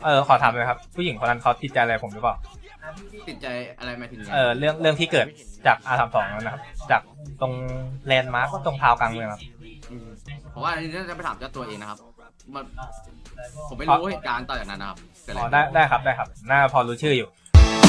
ขอถามเลยครับผู้หญิงคนนั้นเขาติดใจอะไรผมหรือเปล่าติดใจอะไรมาถึงเรื่องที่เกิดจาก R32 นะครับจากตรงแลนด์มาร์คก็ตรงทาวกลางเลยครับผมว่าอันนี้น่าจะไปถามเจ้าตัวเองนะครับมันผมไม่รู้เหตุการณ์ต่อจากนั้นนะครับเกิดอะไรได้ครับน่าพอรู้ชื่ออยู่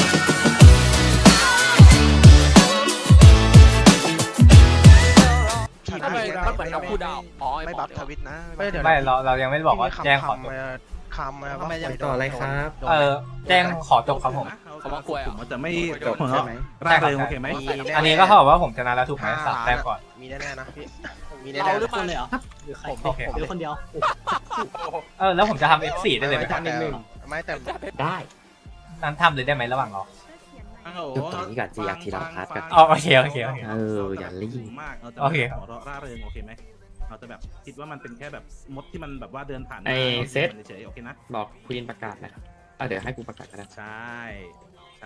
ทำไมมันเหมือนน้องคู่ดาวอ๋อไม่บัฟทวิตนะไม่เรายังไม่บอกว่าแจ้งขอจบคำว่าต่ออะไรครับแจ้งขอจบครับผมเขามากล้วยผมจะไม่จบใช่ไหมร่าเริงโอเคไหมอันนี้ก็เท่ากับว่าผมชนะแล้วถูกไหม3 แต้มก่อนมีแน่ๆนะพี่มีเราแน่ๆหรือเปล่าเลยเหรอหรือใครโอเคหรือคนเดียวแล้วผมจะทำ F4 ได้เลยไหมครับไม่แต่ได้นั้นทำเลยได้ไหมระหว่างรอจุดตรงนี้ก่อนสิอยากทีละพาร์ทกันโอเคอย่ารีบมากเราจะโอเคหัวเราะร่าเริงโอเคไหมเราจะแบบคิดว่ามันเป็นแค่แบบมดที่มันแบบว่าเดินผ่านไอ้เซตเฉยๆโอเคนะบอกควีนประกาศนะครับเดี๋ยวให้กูประกาศก็ได้ใช่ใช่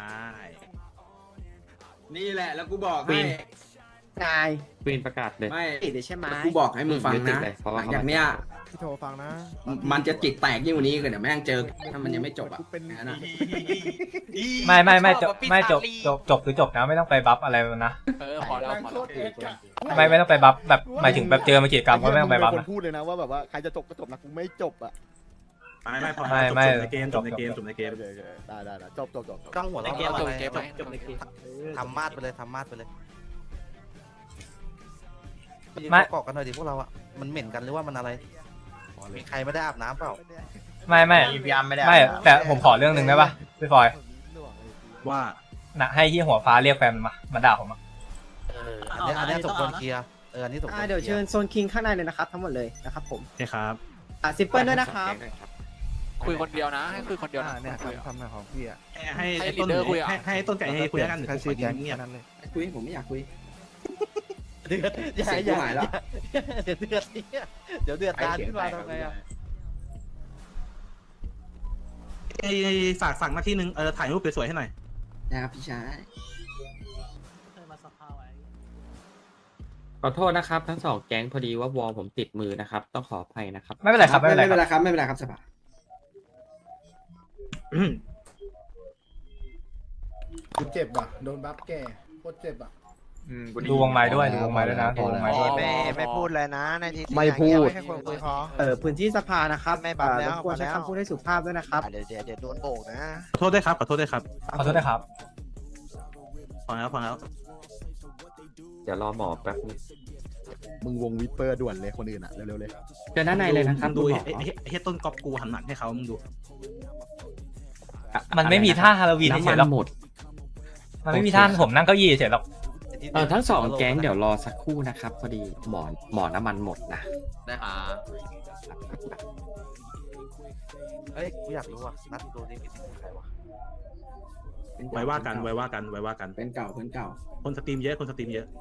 นี่แหละแล้วกูบอกควีให้นนายควีนประกาศเลยไม่ติดใช่ไหมกูบอกให้มึงฟังติดนะเลยเพราะหว่าลังจากเนี้ยพี่โทรฟังนะมันจะจิตแตกยิ่งกว่านี้กันเดี๋ยวแม่งเจอถ้ามันยังไม่จบอ่ะนะไม่จบคือจบนะไม่ต้องไปบัฟอะไรนะพอแล้วไม่ต้องไปบัฟแบบหมายถึงแบบเจอมากิจกรรมก็ไม่ต้องไปบัฟคนนะพูดเลยนะว่าแบบว่าใครจะจบก็จบนะกูไม่จบอ่ะไม่พอไม่จบในเกมจบในเกมจบจบในเกมได้จบจ้องหัวในเราเกมอะไรเกมไหมจบในเกมทำมาดไปเลยทำมาดไปเลยไม่เกาะกันหน่อยดิพวกเราอ่ะมันเหม็นกันหรือว่ามันอะไรมีใครไม่ได้อาบน้ำเปล่าไม่พยายามไม่ได้แต่ผมขอเรื่องหนึ่งได้ป่ะพี่ฟอยว่านะให้ที่หัวฟ้าเรียกแฟนมันมาด่าผมอันนี้สมควรเคลียร์อันนี้สมควรเดี๋ยวเชิญโซนคิงข้างในเลยนะครับทั้งหมดเลยนะครับผมใช่ครับซิปเปิลด้วยนะครับคุยคนเดียวนะให้คุยคนเดียวนะเนี่ยทำหน้าของพี่อ่ะให้ให้ต้น leader คุยอะให้ต้นไก่ให้คุยแล้วกันแค่ชื่อแก๊งเงียบนั้นเลยคุยผมไม่อยากคุยเดือดเสียงกูหายแล้วเดี๋ยวเดือดเดี๋ยวเดือดตาขึ้นมาทำไงอ่ะฝากหน้าที่นึงถ่ายรูปสวยๆให้หน่อยนะครับพี่ชายขอโทษนะครับทั้งสองแก๊งพอดีว่าวอลผมติดมือนะครับต้องขออภัยนะครับไม่เป็นไรครับไม่เป็นไรไม่เป็นไรครับไม่เป็นไรครับสบายกูเจ็บว่ะโดนบัฟแกโคตรเจ็บอ่ะดูวงไม้ด้วยนะดูวงไม้ด้วยไม่พูดเลยนะในที่ไม่พูดแค่คนคุยพอพื้นที่สภานะครับไม่บัฟแล้วรบกวนใช้คำพูดให้สุภาพด้วยนะครับเดี๋ยวโดนโบกนะขอโทษด้วยครับขอโทษด้วยครับขอโทษนะครับพอแล้วเดี๋ยวรอหมอแป๊บนึงมึงวงวิปเปอร์ด่วนเลยคนอื่นอ่ะเร็วๆเลยเจอด้านในเลยนะครับดูคุณหมอไอ้ต้นก๊อปกูหันหลังให้เขามึงดูมันไม่มีท่าฮาโลวีนน้ำเฉมัยๆหรอกนหมดมันไม่มีท่าผมนั่งเก้าอี้เฉยๆหรอกทั้งสองแก๊งเดี๋ยวรอสักครู่นะครับพอดีหมอน้ำมันหมดนะได้ครับเอ้ยกูอยากรู้ว่ะนัดดูดิมีใครวะไว้ว่ากันเป็นเก่าคนสตรีมเยอะคนสตรีมเยอะ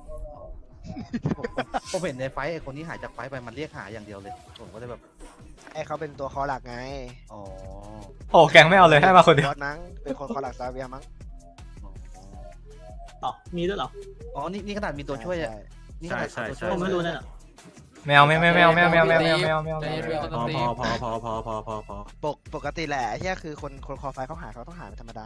ผมเห็นในไฟท์ไอ้คนที่หายจากไฟท์ไปมันเรียกหาอย่างเดียวเลยผมก็เลยแบบไอ้เขาเป็นตัวคอหลักไงอ๋อโอ้แกงไม่เอาเลยให้มาคนเดียวบอสนังเป็นคนคอหลักซาเวียมั้งอ๋อมีด้วยเหรออ๋อนี่ขนาดมีตัวช่วยอ่ะนี่ขนาดตัวช่วยผมไม่รู้นั่นเหรอไม่เอาใจเย็นคนตีพอปกติแหละไอ้เหี้ยคือคนคอไฟเขาหาเขาต้องหาเป็นธรรมดา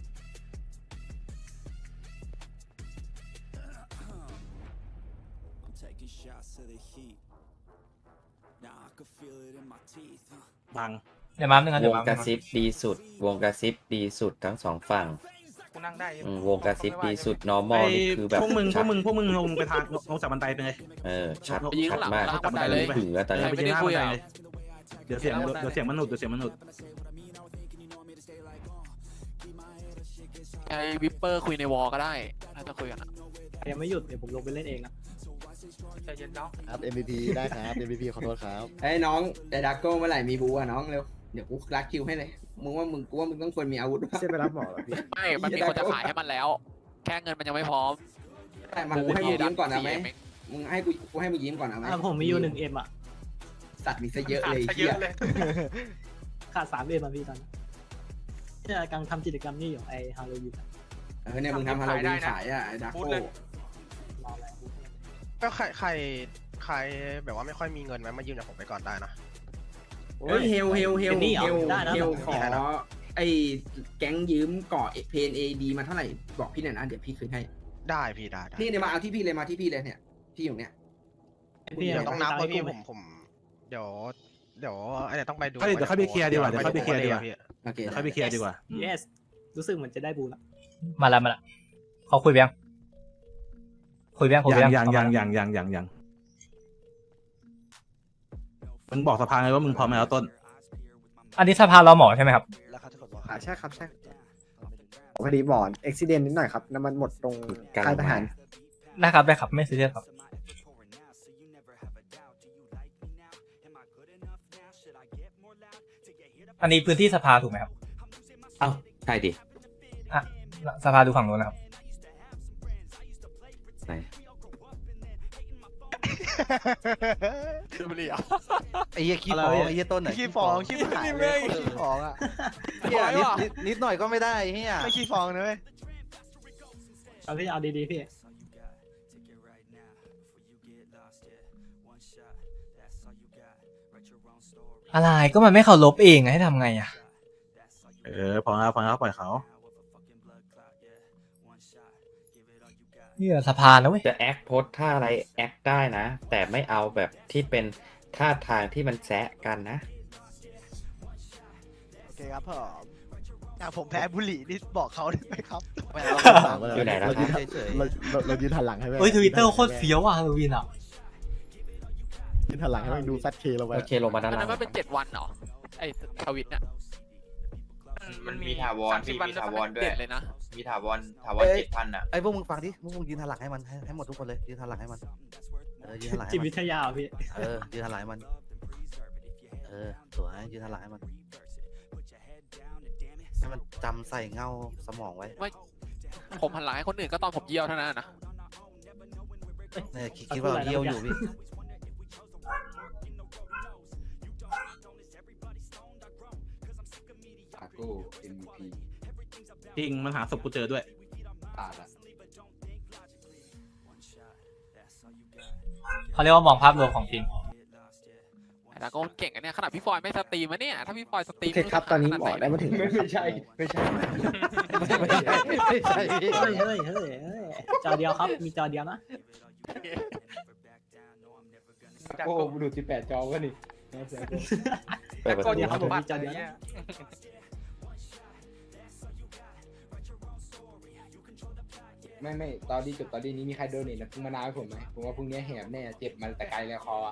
บังเดี๋ยวมาหนึ่งนะวเดี๋ยวงมากระซิบดีสุด วงกระซิบดีสุดทั้งสองฝั่งกูนั่งได้วงกระซิบดีสุด normal นี่คือแบบพวกมึงชัดลงไปทางลงจากบันไดไปเลยชัดไปยืนชัข้าดงหลังมากล่างบันไดเลยถึงแล้วตอนนี้ไม่ได้คุยอ่ะเดี๋ยวเสียงมันหนุดไอ้วิปเปอร์คุยในวอลก็ได้ถ้าจะคุยกันอ่ะยังไม่หยุดเดี๋ยวผมลงไปเล่นเองนะใจเย็นเนาะครับ MVP ได้ครับ MVP ขอโทษครับไอ้น้องไอ้ดาโก้เมื่อไหร่มีบูอ่ะน้องเร็วเดี๋ยวกูรักคิวให้เลยมึงว่ามึงต้องควรมีอาวุธเส้นไปรับหมอเหรอพี่ไม่มันมีคนจะขายให้มันแล้ว แค่เงินมันยังไม่พร้อมแต่มันกูให้มึงยิ้มก่อนนะไหมมึงให้กูให้มึงยิ้มก่อนนะไหมผมมีอยู่1M อ่ะสัตว์มีซะเยอะเลยเหี้ยขาด3Mมาพี่ตอนที่กำลังทำกิจกรรมนี่อยู่ไอฮาโลวีนเนี่ยมึงทำฮาโลวีนขายอ่ะไอ้ดาโก้รออะไรก็ใครแบบว่าไม่ค่อยมีเงินไหมมายืมจากผมไปก่อนได้นะโอ้ยเฮลนี่เหรอได้นะขอไอ้แก๊งยืมเกาะเพนเอดีมาเท่าไหร่บอกพี่หน่อยนะเดี๋ยวพี่คืนให้ได้พี่ได้นี่เนี่ยมาเอาที่พี่เลยมาที่พี่เลยเนี่ยพี่อยู่เนี่ยพี่เดี๋ยวต้องนับเลยพี่ไหมผมเดี๋ยวอันนี้ต้องไปดูเดี๋ยวค่อยไปเคลียร์ดีกว่าเดี๋ยวค่อยไปเคลียร์ดีกว่าพี่โอเคเดี๋ยวค่อยไปเคลียร์ดีกว่า yes รู้สึกเหมือนจะได้บูแล้วมาละเขาคุยเบี้ยงคุยเบี้ยงยังมึงบอกสภาไงว่ามึงพร้อมแล้วต้นอันนี้สภาเราหมอใช่ไหมครับแล้วเขาจะกดว่าใช่ครับใช่พอดีบอร์ดอุบิเหตุนิดหน่อยครับน้ำมันหมดตรงค่ายทหารได้ครับไม่ซีเรียสครับ อันนี้พื้นที่สภาถูกไหมครับเอ้าใช่ดิอ่ะสภาดูฝั่งโน้นนะครับไหนคือบุหรี่อ่ะไอ้เหี้ยขี้ฟองไอ้เหี้ยต้นไหนขี้ฟองขี้หายเลยขี้ฟองอ่ะเหี้ยนิดหน่อยก็ไม่ได้เหี้ยไม่ขี้ฟองนะเว้ยเอาพี่เอาดีๆพี่อะไรก็มันไม่เคารพเองให้ทำไงอ่ะพอแล้วปล่อยเขานี่สภานะเว้ยจะแอคโพสท่าอะไรแอคได้นะ แต่ไม่เอาแบบที่เป็นท่าทางที่มันแซะกันนะโอเคครับผมแพ้บุหรี่นี่บอกเขาได้ไหมครับอยู่ไหนแล้วครับเฉยเรายืนหันหลังให้เฮ้ยทวิตเตอร์โคตรเฟี้ยวอ่ะฮาโลวีนอ่ะยืนหันหลังให้มันดูซัดเคเราไปโอเคลงมาด้านอันล่านั้งนมันเป็น7 วันเหรอไอ้ทวิตเนี่ยมันมีถาวร 30 วันมีถาวรด้วยเด็ดเลยนะมีถาวร7,000อ่ะไอ้พวกมึงฟังดิพวกมึงยืนหันหลังให้มันให้หมดทุกคนเลยยืนหันหลังให้มันยืนหันหลังจิให้ตมันวิทยาพี่ยืนหันหลังให้มันสวยยืนหันหลังให้มันให้มันจำใส่เงาสมองไว้ผมหันหลังให้คนอื่นก็ตอนผมเยี่ยวเท่านั้นนะเนี่ยคิดว่าเราเยี่ยวอยู่พี่จริงมันหาศพกูเจอด้วยเขาเรียกว่ามองภาพรวมของทีมแต่ก็เก่งอันเนี้ยขนาดพี่ฟอยไม่สตรีมอะเนี่ยถ้าพี่ฟอยสตรีโอมเคครับตอนนี้หมอได้มาถึงไม่ใช่ไม่ใช่พี่เฮ้ยจอเดียวครับมีจอเดียวนะโอ้ดู18จอวะนี่เปิดประตูเดี๋ยวครับผมมีจอเดียวนะไม่ตอนที่จบตอนนี้มีใครโดนเนี่ยพึ่งมานาวให้ผมไหมผมว่าพรุ่งนี้แหบแน่เจ็บมันแต่ไกลเลยคอ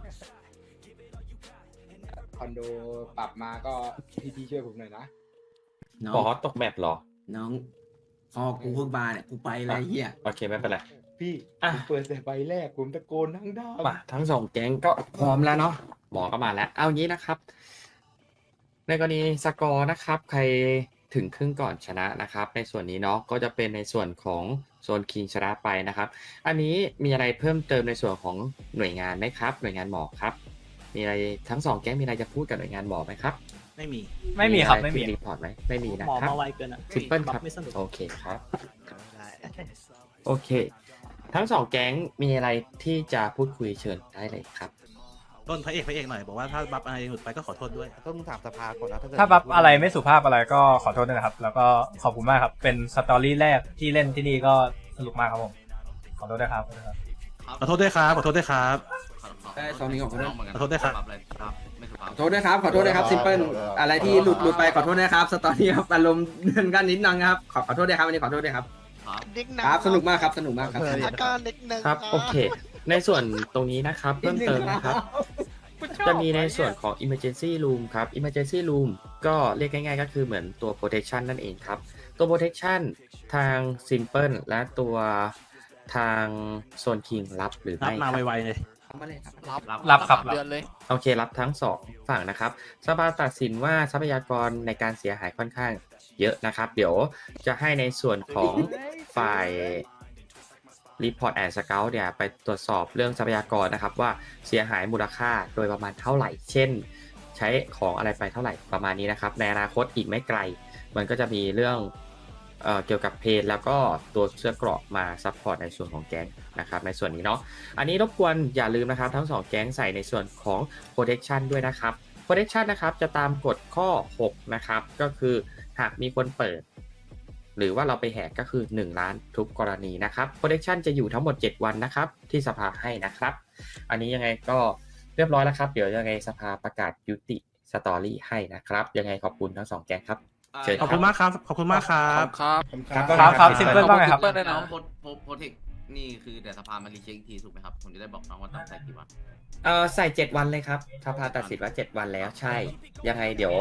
คอนโดปรับมาก็พี่ช่วยผมหน่อยนะบอสตกแมปเหรอน้องพอกูเพิ่งมาเนี่ยกูไปอะไรเหี้ยโอเคไม่เป็นไรพี่ผมเปิดแต่ใบแรกผมตะโกนทั้งด้านมาทั้งสองแก๊งก็พร้อมแล้วเนาะหมอก็มาแล้ว เอางี้นะครับ ในกรณีสกอร์นะครับ ใครถึงครึ่งก่อนชนะนะครับ ในส่วนนี้เนาะก็จะเป็นในส่วนของโซนคิงชนะไปนะครับ อันนี้มีอะไรเพิ่มเติมในส่วนของหน่วยงานไหมครับ หน่วยงานหมอครับ มีอะไรทั้งสองแก๊งมีอะไรจะพูดกับหน่วยงานหมอไหมครับไม่มีไม่มีครับอะไม่มีรีพอร์ตไหมไม่มีนะหมอครับมาไวเกินอ่ะซิมเปิลครับไม่สนุกโอเคครับ โอเค ทั้งสองแก๊งมีอะไรที่จะพูดคุยเชิญได้เลยครับต้นพระเอกหน่อยบอกว่าถ้าบัฟอะไรหลุดไปก็ขอโทษด้วยต้องถามสภาก่อนนะเกิดถ้าบัฟอะไรไม่สุภาพอะไรก็ขอโทษด้วยนะครับ แล้วก็ขอบคุณมากครับ เป็นสตอรี่แรกที่เล่นที่นี่ก็สนุกมากครับผม ขอโทษด้วยครับขอโทษด้วยครับ ขอโทษด้วยครับได้ตอนนี้ขอโทษขอโทษด้วยครับไม่สุภาพขอโทษด้วยครับขอโทษด้วยครับซิมเปิลอะไรที่หลุดไปขอโทษด้วยครับสตอรี่ครับอารมณ์เดินกันนิดนึงครับขอโทษด้วยครับอันนี้ขอโทษด้วยครับนิกครับสนุกมากครับสนุกมากครับอาการนิกนึงครับ โอเค ในส่วนตรงนี้นะครับ เพิ่มเติมนะครับ จะมีในส่วนของ emergency room ครับ emergency room ก็เรียกง่ายๆก็คือเหมือนตัว protection นั่นเองครับ ตัว protection ทาง simple และตัวทางโซน king รับหรือรับไม่มาครับไวๆเลยมาเลยครับรับครับเดือนเลยโอเครับทั้งสองฝั่งนะครับสภาตัดสินว่าทรัพยากรในการเสียหายค่อนข้างเยอะนะครับ เดี๋ยวจะให้ในส่วนของฝ่าย Report and Scout เนี่ยไปตรวจสอบเรื่องทรัพยากรนะครับว่าเสียหายมูลค่าโดยประมาณเท่าไหร่ เช่น ใช้ของอะไรไปเท่าไหร่ประมาณนี้นะครับ ในอนาคตอีกไม่ไกล มันก็จะมีเรื่องเกี่ยวกับเพจแล้วก็ตัวเสื้อเกราะมาซัพพอร์ตในส่วนของแก๊งนะครับในส่วนนี้เนาะอันนี้รบกวนอย่าลืมนะครับทั้ง2แก๊งใส่ในส่วนของ protection ด้วยนะครับ protection นะครับจะตามกฎข้อ 6 นะครับ ก็คือหากมีคนเปิด หรือว่าเราไปแหกก็คือ 1 ล้านทุกกรณีนะครับ protection จะอยู่ทั้งหมด 7 วันนะครับ ที่สภาให้นะครับ อันนี้ยังไงก็เรียบร้อยแล้วครับ เดี๋ยวยังไงสภาประกาศยุติสตอรี่ให้นะครับ ยังไงขอบคุณทั้ง2แก๊งครับ เชิญขอบคุณมากครับ ขอบคุณมากครับครับครับซิมเปิลว่าไงครับซิมเปิลด้วยน้นะองโพเทคนี่คือเดี๋ยวสภามารีเช็คอีกทีถูกไหมครับ ผมจะได้บอกน้องว่าต้องใส่กี่วันใส่ 7 วันเลยครับสภาตัดสินว่า 7 วันแล้วใช่ ยังไงเดี๋ยว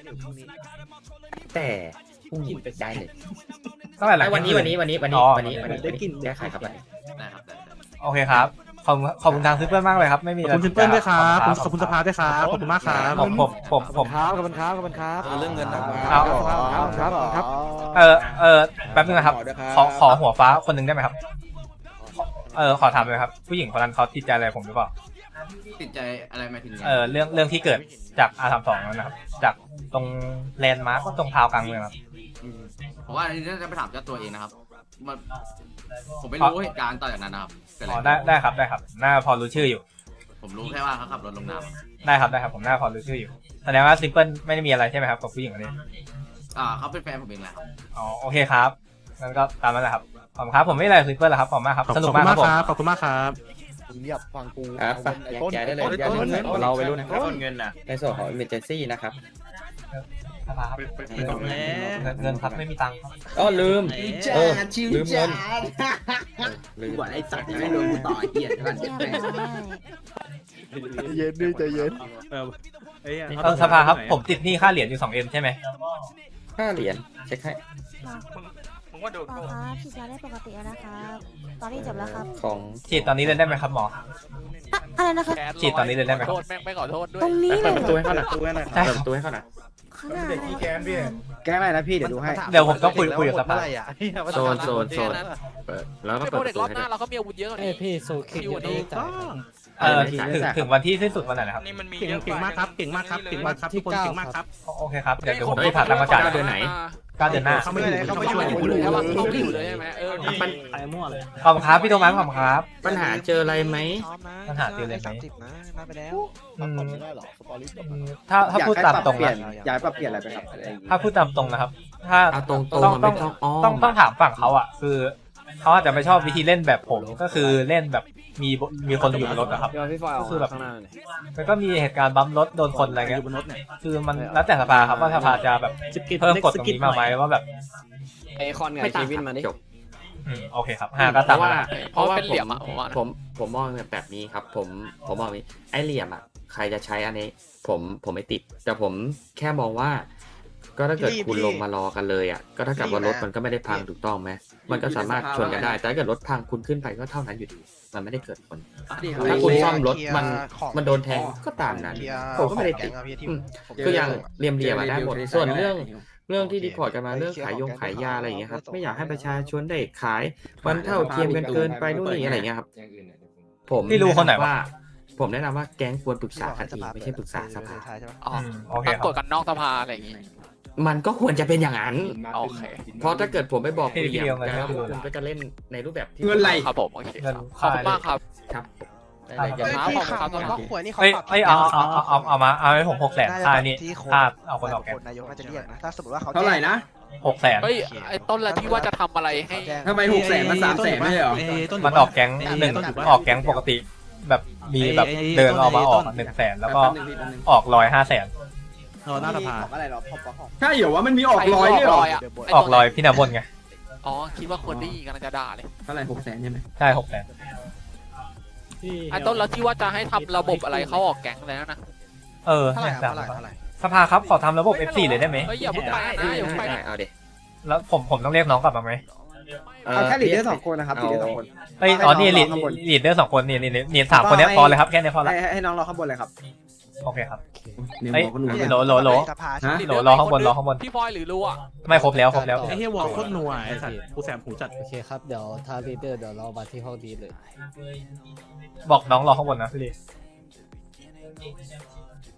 แต่พรุ่งนี้ได้เลยตั้งแต่หลังวันนี้เที่ยงคืแก้ไขครับวันนี้ได้ครับได้โอเคครับขอบคุณทางซิมเปิลมากเลยครับไม่มีขอะอบไรคุณซิมเปิลด้วยครับ ขอบคุณสภาด้วยครับ ขอบคุณมากครับผมครับขอบคุณครับขอบคุณครับเรื่องเงินนะครับแป๊บนึงนะครับขอหัวฟ้าคนหนึ่งได้ไหมครับขอถามเลยครับ ผู้หญิงคนนั้นเขาติดใจอะไรผมหรือเปล่าติดใจอะไรหมายถึงไงเรื่องที่เกิดจาก R32 นั่นนะครับ จากตรงแลนด์มาร์คตรงพาวกลางเมืองครับผมว่าอันนี้น่าจะไปถามเจ้าตัวเองนะครับมันผมไม่รู้เหตุการณ์ต่อจากนั้นนะครับเกิดอะไรได้ครับน่าพอรู้ชื่ออยู่ผมรู้แค่ว่าเขาขับรถลงน้ำได้ครับผมน่าพอรู้ชื่ออยู่แสดงว่าซิมเปิลไม่ได้มีอะไรใช่ไหมครับกับผู้หญิงคนนี้เขาเป็นแฟนผมเองแหละครับอ๋อโอเคครับงั้นก็ตามนั้นแหละครับขอบคุณครับผมไม่มีอะไรซิมเปิลแล้วครับขอบคุณมากครับสนุกมากครับผมขอบคุณมากครับมึงเงียบฟังกูครับไปแยกย้ายได้เลยเราไปรุ่นนะครับต้นเงินน่ะในส่วนของ emergency นะครับสภาครับเงินครับไม่มีตังค์ครับอ๋อลืมจ้าชิวลืมเงิจ้านลืมบอกไอ้สัตว์ไม่โดนกูต่อไอ้เหี้ยเดี๋ยวก่อนเจ็บแม่เย็นนี่ใจเย็นสภาครับผมติดหนี้ค่าเหรียญอยู่ 2M ใช่ไหม 5 เหรียญเช็คให้ผมว่าโดนครับฉีดยาได้ปกติแล้วนะครับตอนนี้จบแล้วครับของฉีดตอนนี้เลยได้ไหมครับหมออะไรนะครับฉีดตอนนี้เลยได้ไหมขอโทษแม่งไม่ขอโทษด้วยตรงนี้เลเปิดยประตูให้เขาหน่อยใช่เปิดประตูให้เขาหน่อยข้างหน้าเด็กขี้แค้นพี่แก้ไม่นะพี่เดี๋ยวดูให้เดี๋ยวผมต้องคุยกับสภาโซนเปิดแล้วก็ไม่เปิดโปรปเด็ระกตูรอบให้หน้าด้วยเราก็มีอาวุธเยอะกว่านี้พี่โซคิคิวอันนี้ถึงวันที่สิ้นสุดวันไหนนะครับนี่มันมีเก่งมากครับ เก่งมากครับ เก่งมากครับ ทุกคนเก่งมากครับโอเคครับเดี๋ยวผมรีบผ่านตามประกาศเดือนไหน 9 เดือนหน้าเขาไม่อยู่เขาไม่เขาอยู่ไม่อยู่ใช่ป่ะเขาไม่อยู่เลยใช่ไหมมันไปมั่วเลยขอบคุณครับพี่โทมัสขอบคุณครับปัญหาเจออะไรไหมปัญหาคืออะไรไหม 30นะนับไปแล้วอืมไม่ได้หรอสตอรี่จบถ้าพูดตามตรงเปลี่ยนะนย้ายปรับเปลี่ยนอะไรไปครับอะไรอย่างงี้ถ้าพูดตามตรงนะครับ ถ้าเอาตรงต้องๆมันไม่ต้องอ้อต้องถามฝั่งเขาอ่ะ คือเขาอาจจะไม่ชอบวิธีเล่นแบบผมก็คือเล่นแบบมีคนอยู่บนรถอะครับก็คือแบบมันก็มีเหตุการณ์บัมรถโดนคนอะไรอเงี้ยยู่บนรถเนี่ยคือมันแล้วแต่สภาครับว่าสภาจะแบบเพิ่มกฎตรงนี้มาไหมว่าแบบไอคอนกับไม่เคต่างวินมาดิจบโอเคครับ5ก็เพตามราะว่ามาเพราะว่าเป็นเหลี่ยมอ่ะผมว่านะผมมองแบบนี้ครับ ผมมองนี้ไอเหลี่ยมอ่ะใครจะใช้อันนี้ผมไม่ติด แต่ผมแค่มองว่า ก็ถ้าเกิดคุณลงมารอกันเลยอ่ะก็ถ้ากับว่ารถมันก็ไม่ได้พังถูกต้องไหมมันก็สามารถชนกันได้ แต่ถ้าเกิดรถพังคุณขึ้นไปก็เท่านั้นอยู่ดีมันไม่ได้เกิดผล ถ้าคุณซ่อมรถมันโดนแทงก็ตามนั้นผมก็ไม่ได้ติดคืออย่างเหลี่ยมๆอะได้หมดส่วนเรื่องที่ดีพอร์ตกันมาเรื่องขายยาอะไรอย่างเงี้ยครับไม่อยากให้ประชาชนได้ขายมันเท่าเทียมกันเกินไปนู่นนี่อะไรอย่างเงี้ยครับผมพี่รู้คนไหนวะผมแนะนำว่าแก๊งควรปรึกษากันเองไม่ใช่ปรึกษาสภาอ๋อโอเคตั้งครับกฎกันนอกสภาอะไรอย่างงี้มันก็ควรจะเป็นอย่างนั้นโอเคเพราะถ้าเกิดผมไปบอกพี่คุณอย่างเดียวไงแล้วพี่คุณก็จะเล่นในรูปแบบที่เงินไหลครับผมโอเคเงินขอบคุณมากครับครับเฮ้ยที่ข่าวมันว่าขวยนี่เขาเอ้ยเอาให้ผม600,000ค่านี่ค่าเอาคนออกแกงนายกน่าจะเรียกนะถ้าสมมติว่าเขาเท่าไหร่นะ 600,000 เฮ้ยไอ้ต้นละที่ว่าจะทำอะไรให้ทำไม600,000มัน300,000ไม่ใช่เหรอมันออกแก๊งออกแก๊งปกติ แบบมีแบบเดินออกมาออก100,000แล้วก็ออก100-500,000 หน้าสภาอะไรหรอพอใช่เหรอว่ามันมีออกร้อยด้วยเหรออ่ะออก100พี่นาบนไงอ๋อคิดว่าคนที่กำลังจะด่าเลยเท่าไหร่600,000ใช่ไหมใช่600,000 ไอ้ต้นละที่ว่าจะให้ทำระบบอะไรเขาออกแก๊งแล้วนะเท่าไหร่เนี่ยเท่าไหร่สภาครับขอทำระบบ F4 เลยได้ไหมเฮ้ยอย่าเพิ่งไปนะอย่าเพิ่งไปนะเอาเด็แล้วผมต้องเรียกน้องกลับมาไหมเอาแค่ลีดเดอร์2คนนะครับลีดเดอร์2คนเอ้ยอ๋อนี่ลีดเดอร์2คนนี่3คนเนี้ยพอเลยครับแค่นี้พอละให้น้องรอข้างบนเลยครับโอเคครับเนี่ยเอ้ยบอกก็รู้โหลสภาฮะรอข้างบนรอข้างบนพี่พลอยหรือรู้อ่ะไม่ครบแล้วไอ้เฮียวอลโคตรนัวไอ้สัตว์กูแสบหูจัดโอเคครับ เดี๋ยวทางลีดเดอร์เดี๋ยวเรามาที่ห้องดีเลยบอกน้องรอข้างบนนะพี่ลี